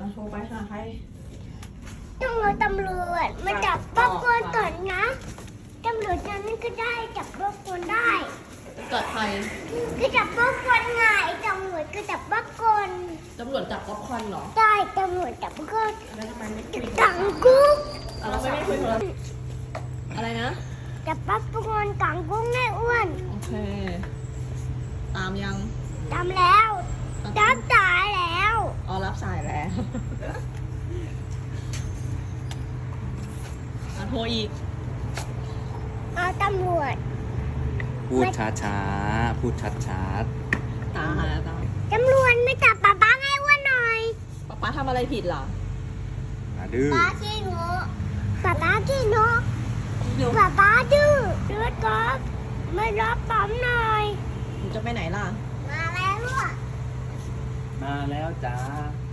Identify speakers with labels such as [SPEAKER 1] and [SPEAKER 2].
[SPEAKER 1] โทรไปหาใคร
[SPEAKER 2] ต้องรอตำรวจมาจับป๊อปคอร์นก่อนนะตำรวจนั้นก็ได้จับป๊อปคอร์นได้
[SPEAKER 1] เกิดใคร
[SPEAKER 2] ก็จับป๊อปคอร์นไงตำรวจก็จับป๊อปคอร์น
[SPEAKER 1] ตำรวจจับป๊อปคอร์นเหรอ
[SPEAKER 2] ได้ตำรวจจับป๊อปคอร์น
[SPEAKER 1] แล้วทำไมไม่คุย
[SPEAKER 2] กังกุ้ง
[SPEAKER 1] เราไม่คุยโทรศัพท์อะไรนะ
[SPEAKER 2] จับป๊อปคอร์นกังกุ้งแม่อ้วน
[SPEAKER 1] โอเค ตามยัง
[SPEAKER 2] ทำแล้วจับตายแล้ว
[SPEAKER 1] อ๋อรับสายแล้วโทรอีก
[SPEAKER 2] เอาตำรวจ
[SPEAKER 3] พูดช้าๆ พูดชัด
[SPEAKER 1] ตามแล้วตาม
[SPEAKER 2] ตำรวจไม่จับป๊าแม่อ้วนหน่อย
[SPEAKER 1] ป๊าทำอะไรผิดเหรอ
[SPEAKER 3] ๆดื้อ
[SPEAKER 2] ป๊าขี้งกป๊าขี้นก
[SPEAKER 1] เดี๋ยว
[SPEAKER 2] ป๊าดื้อเลือดก๊อกไม่รับปั๊มหน่อย
[SPEAKER 1] หนูจะไปไหนล่ะ
[SPEAKER 2] มาแล้วอ่ะ
[SPEAKER 3] มาแล้วจ้า